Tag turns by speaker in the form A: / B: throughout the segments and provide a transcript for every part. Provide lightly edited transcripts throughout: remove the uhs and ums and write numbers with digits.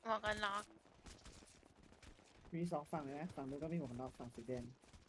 A: หมวกกันน็อก
B: มีสองฝั่งเลยนะฝั่งนู้นก็มีหมวกกันน็อกฝั่งสีแดง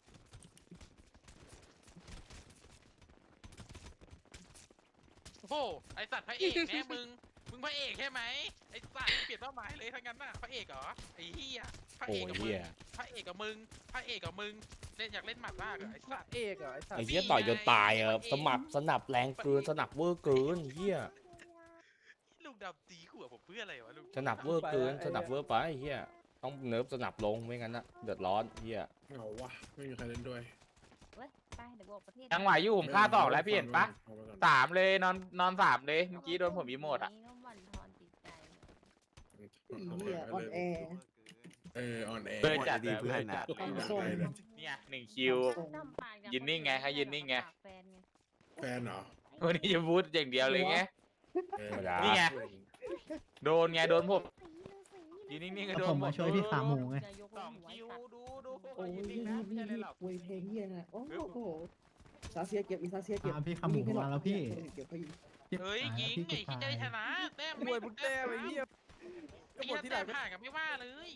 C: โอ้โหไอสัตว์พระเอกแน่มึงพระเอกใช่ไหมไอสัตว์เปลี่ยนเป้าหมายเลยทั้งนั้นน่ะพระเอกเหรอไอ้เหี้ยพระเอกกับมึงพระเอกกับมึงพระเอกกับมึงเล่นอยากเล่นหมัดมากเหรอไอสัตว์
D: เอกเหรอไอ้สัต
E: ไอ้
D: ว์
E: เหี้ยต่อยจนตายสนับแรงเกินสนับเวอร์เกินเหี้ย
C: ลูกดำตีหัวผมเพื่ออะไรวะลูก
E: สนับเวอร์เกินสนับเวอร์ไปเหี้ยต้องเนิร์ฟสนับลงไม่งั้นนะเดือดร้อนเหี้ย
F: เหงาวะไม่มีใครเล่นด้วย
G: เว้ยไปเดี๋ยวบอกประเทศ
D: ยังไหวอยู่ผมฆ่าต่อแล้วพี่เห็นปะ3เลยนอน3เลยเมื่อกี้โดนผมอีโมดอ่ะ
G: นี้ก็บั่นทอนจิตใจ
B: อีเหี้ยออนแอร์
F: ออนแอร์
D: เบอร์จัด
H: ดีเพื่อนน่ะ
B: ทำส่ง
D: เนี่ย1 คิว
G: จำปาก
D: ยืนนิ่งไงให้ยืนนิ่งไง
G: แฟนไง
F: แฟนเหรอ
D: วันนี้จะพูดอย่างเดียวเลยไง
E: ธรรมดา
D: นี่ไง โดนไงโดนผมยืนนิ่งๆก็โดน
H: ผมมาช่วยพี่ขาหมูไง
D: 2 คิวดู
B: โอ้ย
D: ยืนนิ่
B: นี่
D: งนะไม่
B: นี่
D: ใช่อะไร
B: นี่
D: หรอก
B: เวยเพลงเหี้ยนะโอ้โหซาเซียเก็บอีซาเซียเก็บ
H: พี่ขาหมูมาแล้วพี่
B: เก็บเขายิง
C: เฮ้ยยิงไอ้ที่จะได้ชนะแต้ม
D: มวยบุญแต้มไอ้เหี้ย
C: ไอ้เหี้ยแต้มห่างกันไม่ว่าเลย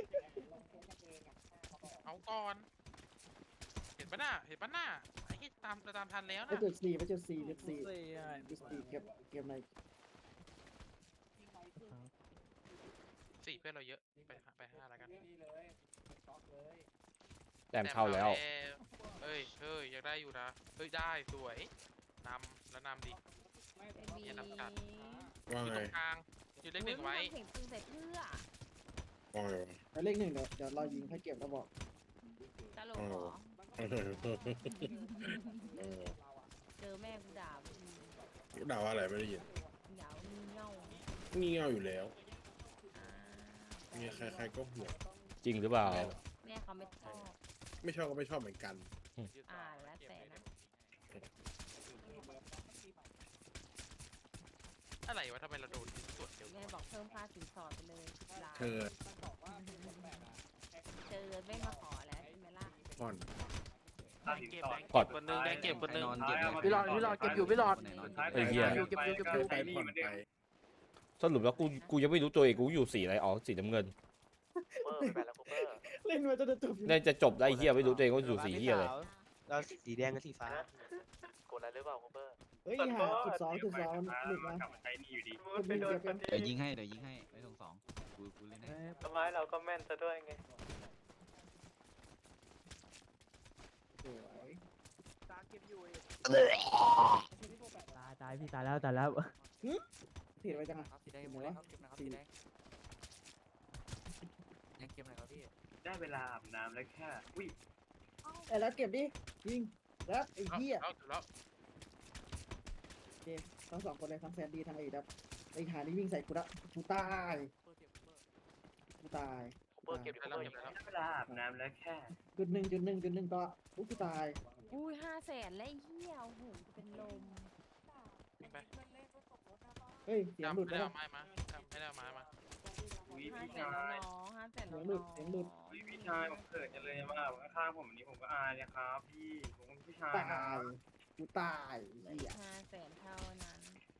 C: เอาก่อนเห็นปะน่ะไอ้ที่ตามทันแล้ว
B: ไป
C: นะ
B: จุดสี่จุดสี่เก็บใน
C: 4เพื่อนเราเยอะไป5แล้วกัน
E: แต้มเข้าแล้ว
C: เฮ้ยอยากได้อยู่นะเฮ้ยได้สวยนำแล้วนำดิ
G: มี
C: เนี่ยนำกัด
F: ว่า
C: อยู่
F: ไง
C: ตรงกลางอยู่เลขหนึ่งไว้
G: เห็นปืนใส่เพื่อ
F: ว่าไงวะ
B: แล้วเลขหนึ่งเดี๋ยวเรายิงให้เก็บแล้วบอก
G: ตลกเหรอเจอแม่กูด่า
F: ด่าว่าอะไรไม่ได้ยิน
G: ด่าว่ามึงเง่า
F: งี่เง่าอยู่แล้วมีใครๆก็ห่วง
E: จริงหรือเปล่า
G: แม่เขาไม่ชอบ
F: ไม่ชอบก็ไม่ชอบเหมือนกัน
G: แล้วแต่นะ
C: อะไรวะทำไมเราโดนสวนเดียว
G: แม่บอกเพิ่มค่าสินสอดไปเลย10 ล้าน
F: เธอ
G: เจอไม่มาขอแล้วใช่ไหมล่ะ
F: ผ่อน
E: กด
C: คนนึงแดงเก็บคนนึง
D: พี่หลอดเก็บอยู่พี่หลอด
E: ไอ้เหี้ย
D: เก็บอยู่
F: ไปผ่อนไป
E: สรุปแล้วกูยังไม่รู้ตัวเองกูอยู่สีอะไรอ๋อสีน้ำเงิน
B: เล่นมาจนจะจบ
E: น่าจะจบได้เหี้ยไม่รู้ตัวเองว่าอยู่สีเหี้ยเลย
H: เราสีแดงกับสีฟ้า
B: เฮ้ยหาจุดสองหลุดมาคนนึงเก็บกัน
H: เดี๋ยวยิงให้ไม่ต้องสองกูเล่นให้
I: ต้นไม้เราก็แม่นซะด้วยไง
B: สวย
H: ตายพี่ตายแล้ว
B: ผิดไปจังอ่ะ
H: สีแดง
B: เห็น
H: หม
B: ไห
H: ด
B: ม
H: แล้ว
B: วะ
H: สีแดงยังเก็บไหนครับพี่
I: ได้เวลาอาบน้ำแล้วแค่อุ้ย
B: แล้วเก็บดิยิงแล้วไอ้เหี้ย
C: แล้ว
B: โอเคทั้งสองคนเลยทั้งแซนดี้ทั้งไอ้ดับไอ้หานี่วิ่งใส่กูละกูตายกูตาย
C: เก็บแล้ว
I: ได้เวลาอาบน้ำแล้วแค่
B: จุดหนึ่งต่อกูตาย
G: อุ้ย500,000แล้วไอ้เหี้ยโอ้โหเป็นลม
B: เฮ้ยเสียงหลุด
C: ไม่
B: แล้ว
C: ได้เอาไม้มาไม่ได้เอาไม้มา
I: อุ้ย
G: 500,000
I: พี่
G: แล้ว
I: ชาย
G: เนาะ500,000แล้ว
B: เสียงหลุดเสียงหลุด
I: อุ้ยพี่ชายผมเขินจังเลยว่าข้างๆผมอันนี้ผมก็อายนะครับพี่ผมเป็นพี่ชาย
B: ตายกูตายเหี้ย
G: 500,000เท่านั้น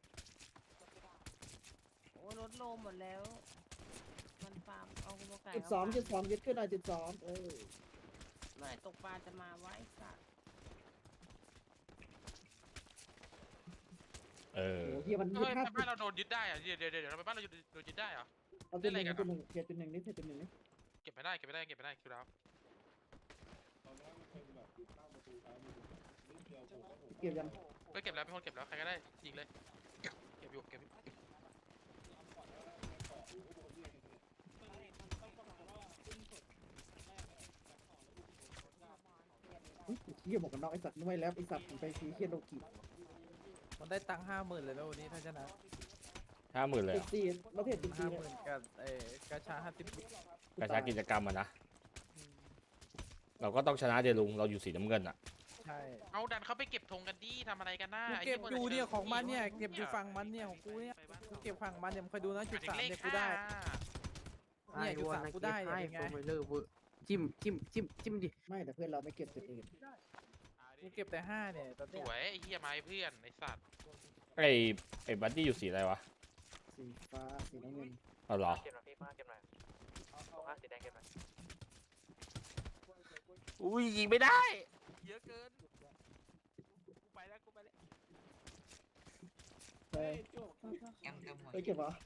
G: โอ้ลดลมหมดแล้ว มันฟาร์มเอาตัวไก่
B: จุดสองยึดขึ้นหน่อยจุดสอง
G: เมื่อไหร่ตกปลาจะมาไวะไอ้สัตว์
E: เออ
B: โอ้เหี้ยมัน
C: เฮ้ย
B: 50
C: บ้านเราโดนยึดได้อะเดี๋ยวทำไมบ้านเราโดนยึดได้อะ
B: เอาจุดหนึ่งจุดหนึ่งเขียนจุดหนึ่งนี่เขียนจุดหนึ่งนี่
C: เก็บไม่ได้คิวดาว
B: เก็บยัง
C: เฮ้ยเก็บแล้วเป็นคนเก็บแล้วใครก็ได้ยิงเลยเก็บอยู่
B: เหี้ยบอกกันน้องไอ้สัตว์ไม่แล้วไอ้สัตว์ผมไปซีเคียนโลกิ
D: มันได้ตังค์50,000เลยแล้ววันนี้ถ้าชนะ
E: 50,000เลย
B: จุดสี่ประเภทจุดสี่เลย
D: 50,000กับกระชา50
E: กระชากิจกรรมอะนะเราก็ต้องชนะเดลุงเราอยู่สีน้ำเงินอะ
D: ใช่
C: เอาดันเขาไปเก็บธงกันดิทำอะไรกันหน้า
D: กูเก็บอยู่เนี่ยของมันเนี่ยเก็บอยู่ฝั่งมันเนี่ยของกูเนี่ยกูเก็บฝั่งมันเนี่ยมึงคอยดูนะจุด3เนี่ยกูได้เนี่ยจุด3กูได้เนี่ยเป็นไง
H: จิ้มดิ
B: ไม่แต่เพื่อนเราไม่เก็บจุดอื่น
D: กูเก็บแต่5เนี่ยตอน
C: ส
D: เนี้ย
C: วยไอ้เหี้ยไม้เพื่อนไอ้สัตว์
E: ไอ้บัดดี้อยู่สีอะไรวะ
B: สีฟ้าสีน้ำเงิน
E: เอาเหรอ
H: เก็บหน่อยพี่มาเก็บหน่อยเอาผ้าสีแดงเก็บหน่อย
E: อุ้ยยิงไม่ได้
C: เยอะเกินกูไปแล้วกูไปแล้ว
B: เฮ้ยไปเก็บเหรอ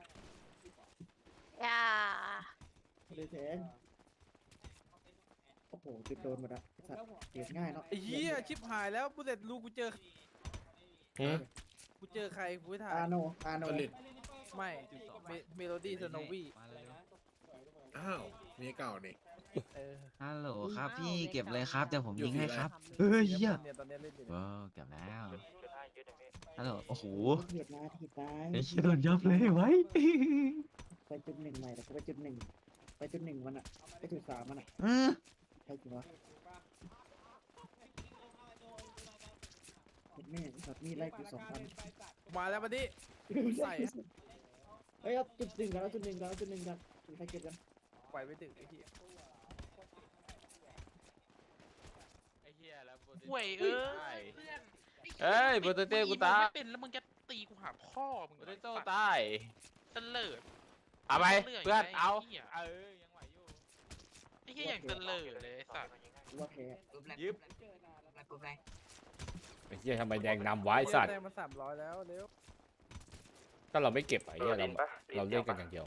G: อย่า
B: ไม่ได้แทงโอ้โหจุดโดนหมดอะสัตว์เก็บง่ายเนาะ
D: ไอ้เหี้ยชิบหายแล้วกูเสร็จลูกกูเจอ
E: หืม
D: กูเจอใครกูไม่ถ่าย
B: อาโนอาโน
F: ผลิต
D: ไม่เมโลดี้สโนวี่
H: มาเร็ว
F: อ้าวเมียเก่านี่
D: เออ
H: ฮัลโหลครับพี่เก็บเลยครับเดี๋ยวผมยิงให้ครับ
D: เฮ้ยเหี้ยตอนนี้เล่นอยู่
H: ว้าวเก็บแล้วฮัลโหลโอ้โห
B: เถียดมาเถียดมา
H: ไอ้ชิโดนยับเลยไว้
B: ไปจุดหนึ่งใหม่แต่กูไปจุดหนึ่งไปจุดหนึ่งมันอะไปจุดสามมันอะใช่จริงวะแม่สัตว์มีไล่กู2,000
D: มาแล้วมาดิ ใส่
B: เฮ้ยเอาจุดหนึ่งกันแล้วจุดหนึ่งกันแล้วจุดหนึ่งกันใครเก็บกัน
D: ไปไม่ถึงไอ้เหี้ย
E: ไอ้เหี้ยแล้ว
C: ห่วยเอ้ย
E: เอ้ยโปเตโต้กูตาย
C: ไม่เป็นแล้วมึงจะตีกูหาพ่อมึง
E: โปเตโต้ตาย
C: เตลิด
E: เอาไปเพื่อนเอา
C: ไหี้ย
E: เออยังไหวอยู่
C: ไอ้เหี้ยอย่างเตลิดเลยไอ้สัตว์
B: กูว่าแพ้
E: ยิบไอ้เหี้ยทำไมแดงนำไวะไอ้สัตว์
D: แต้มมา300แล้วเร็ว
E: ก็เราไม่เก็บไอ้เหี้ยเราเล่นกันอย่างเดียว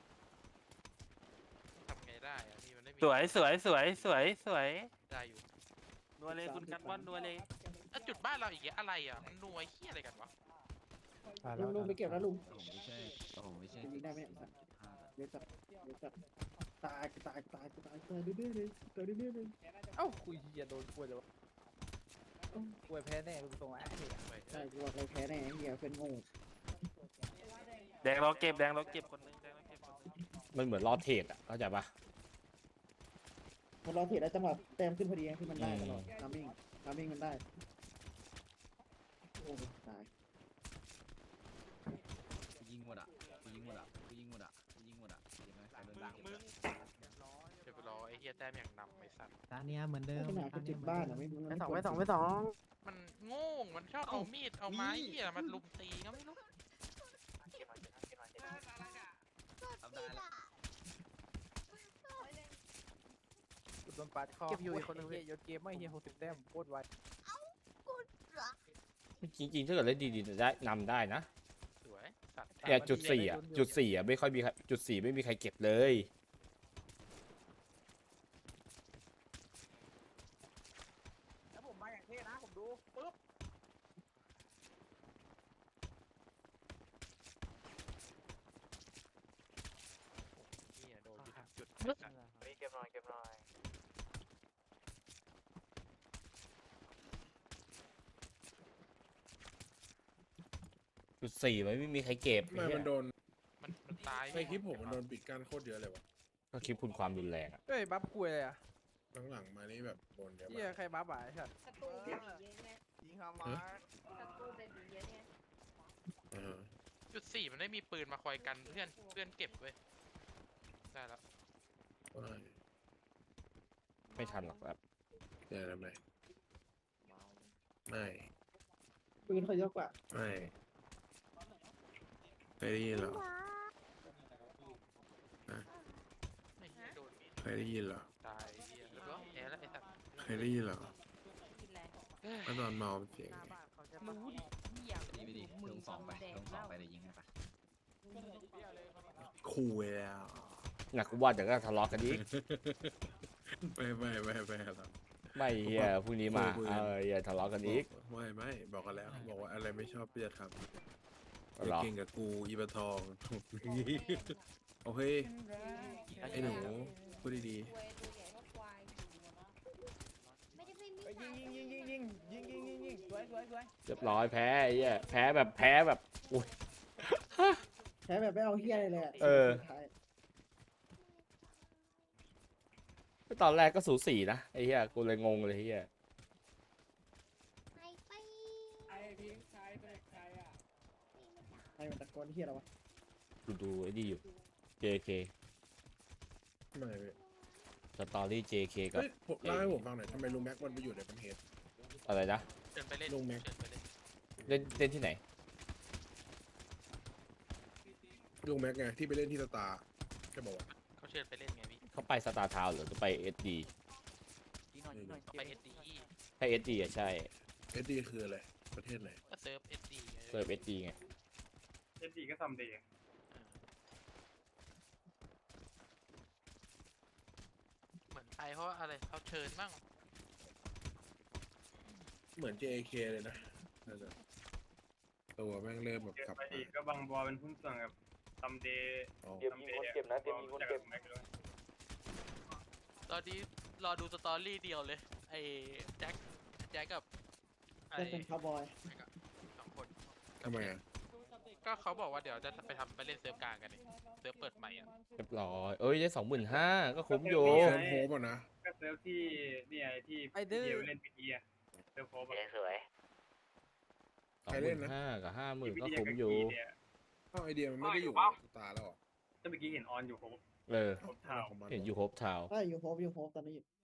C: ทำไงได้อะนี่มันไม่มี
A: สวยสวยสวยสวยสวย
C: ได้อยู่
A: นัวเลยคุณกันว่านนัวเลย
C: แล้วจุดบ้านเราอีกแล้วอะไรอ่ะมันนัวไอ้เหี้ยอะไรกันวะ
B: ลุงไปเก็บแล้วลุง
H: ผมไม่ใช่ผมไม่ใช่
B: จะยิงได้ไหมเนี่ยเดี๋ยวจับเดี๋ยวจับตายตายตายตายตายเรื่อยๆเลยตายเรื่อยๆเลย
D: เอ้าคุยเหี้ยโดนกล้วยเลยวะกล้วยแพ้แน่ลูกตรงไอ้เหี้ย
B: ใช่กูว่าเราแพ้แน่ไอ้เหี้ยเป็นโง่
A: แดงเราเก็บแดงเราเก็บคนหนึงแดงเราเก็บคนหนึง
E: มันเหมือนรอเทรดอ่ะเข้าใจปะ
B: คนเราเถียดได้จังหวะแต้มขึ้นพอดีที่มันได้ตลอดทามมิ่งมันได้โอ้ตาย
H: ยิงหมดอ่ะยิงหมดอ่ะยิงหมดอ่ะยิงหมดอ่ะเห็นไหมใครโดน
C: มึ
H: ด่าง
C: มึงเดี๋ยวไปรอไอ้เหี้ยแต้มอย่างนำไอ้สัตว์
H: ตาเนี้ยเหมือนเดิม
B: ขนาดกูจุดบ้านอ่ะไม่
D: ไปสอง
C: มันโง่งมันชอบเอามีดเอาไม้เหี้ยมันลุมตีก็ไม่รู้
H: ทำได้แล้ว
D: โดนปาดคอเก็บอยู่อีกคนนึงเหี้ยโยนเกมไม่เหี้ย60แต้มโคตรไว
E: จริงๆถ้าเกิดเล่นดีๆจะได้นำได้นะ
C: สวยสัตว์
E: เนี่ยจุดสี่อ่ะจุดสี่อ่ะไม่ค่อยมีใครจุดสี่ไม่มีใครเก็บเลย
D: แล้วผมมาอย่างเท่นะผมดูปึ๊บ
C: เหี้ยโดนอยู่ทุกจุดไอ้สัตว์
H: เก็บหน่อยเก็บหน่อย
E: จุดสี่มันไม่มีใครเก็บ
F: ทำไมมันโดน
C: มันตาย
F: ในคลิปผมมันโดนปิดกั้นโคตรเยอะเลยวะ
E: ก็คลิปคุณความรุนแรงอ่ะ
D: เฮ้ยบัฟคุยเลยอ่ะ
F: หลังๆมานี่แบบโดนเยอะ
D: เหี้ย
F: มาก
D: ใครบัฟอ่ะไอ้สัตว์
G: ศัตรูเบบีเยอะไง
D: ยิงฮามา
G: ศัตรูเบบีเยอะไง
F: อ่า
C: จุดสี่มันไม่มีปืนมาคอยกันเพื่อนเก็บเว้ยได้แล้ว
F: ว่า
E: ไม่ทันหรอกแบบ
F: เดี๋ยวทำไมไม่
B: ปืนเขาเยอะกว่า
F: ไม่เคยได้ยินเหรอ
C: ไม่เหี้ยโดนมีด
F: เคยได้ยินเหรอ
C: ตายเหี้ยแล้วก็แพ้แล้วไอ้สัตว์
F: เคยได้ยินเหรอ
G: กินแรง
F: ถ้าตอนเมาเป็นเสียง
G: หน้า
F: ไง
G: บ้านเขาจะรู้ดิเหี้ย
H: ดีไปดิลงสองไปลงสองไปเดี๋ยวยิงให้ปะ
F: ขู่ไปแล้ว
E: หนักกูว่าเดี๋ยวก็ทะเลาะกันอีก
F: ไม่ครับ
E: ไม่เฮียพรุ่งนี้มา
F: คุย
E: เอ
F: กัน
E: ออย่าทะเลาะกันอีก
F: ไม่บอกกันแล้ว บอกว่าอะไรไม่ชอบพี่จะทำ
E: เอา
F: อย่า
E: เหรอ
F: เก่งกับกูอีปะทอง โอเคไอ้หนูพูดดี
G: ควยตัวใหญ่เท่าควายไม่ได้ไม่มี
D: ยิงสวย
E: เรียบร้อยแพ้ไอ้เฮียแพ้แบบอุ้ย
B: ใช้แบบไม่เอาเหี้ยอะไรเลยอะ
E: เออ
B: สุดท้าย
E: ตอนแรกก็สูสีนะไอ้เฮียกูเลยงงเลยเฮีย
G: ไปไป
B: ใครมันตะโกนเหี้ยอะไรวะ
E: ดูไอ้นี่อยู่ JK
F: ๆไม่เว้ย
E: สตอรี่ JK กับ
F: เฮ้ยผมเล่าให้ผมฟังหน่อยทำไมลุงแม็กมันไปอยู่ในประเทศ
E: อะไรนะ
C: เชิญไปเล่น
F: ลุงแม็ก
C: เชิญไปเล่น
E: เล่นที่ไหน
F: ลุงแม็กไงที่ไปเล่นที่สตาร์แค่บอกว่า
C: เขาเชิญไปเล่นไงพี่
E: เขาไปสตาร์ทาวน์หรือจะไปเอสดี
H: ยิงหน่อยยิงหน่อย
C: เขาไปเอสดี
E: ถ้าเอสดีอะใช่
F: เอสดีคืออะไรประเทศไหน
C: ก็เซิร์ฟเอสดี
E: เซิร์ฟเอสดีไง
I: เอสดีก็ซัมเดย์
C: เหมือนไปเพราะอะไรเขาเชิญบ้าง
F: เหมือน JAK เลยนะน่าจะตัวแม่งเริ่มแบบ
I: เจอก
F: ลับ
I: ไป
F: มา
I: อีกก็บางบอเป็นหุ้นส่วนกับซัมเดย์
F: อ๋อ
I: ซัมเดย์นะเตรียมมีคนเจ็บ
C: ตอนนี้รอดูสตอรี่เดียวเลย ไอ้แจ็คกับไอ้
B: จะเป็นคาวบอย
C: สองคน
F: ทำไมอ่ะ
C: ก็เขาบอกว่าเดี๋ยวจะไปเล่นเซิร์ฟกลางกันนี่เซิร์ฟเปิดใหม่อ่ะ
E: เรียบร้อยเอ้ยได้25,000ก็คุ้มอยู่
F: เซิร์ฟโฮปอ่ะนะ
I: ก็เซิร์ฟที่นี่ไงที่เดียวเล่นพีดีอะเซิร์ฟโคบ
A: สวย
E: 25,000กับ
I: ที่
E: 50,000
I: พี
E: ก็
I: ดี
E: คุ้ม
I: กับ
E: อยู่
I: กีเนี่ย
F: อ้าวไอเดียมันไม่ได้อยู่สตาร์แล้วเหรอ
I: ถ้าเมื่อกี้เห็นออนอยู่โคบ
E: เออ
I: โคบเท้า
F: ของมัน
E: เห็นอยู่โฮปทาวน์
B: อยู่โฮปตอนนี้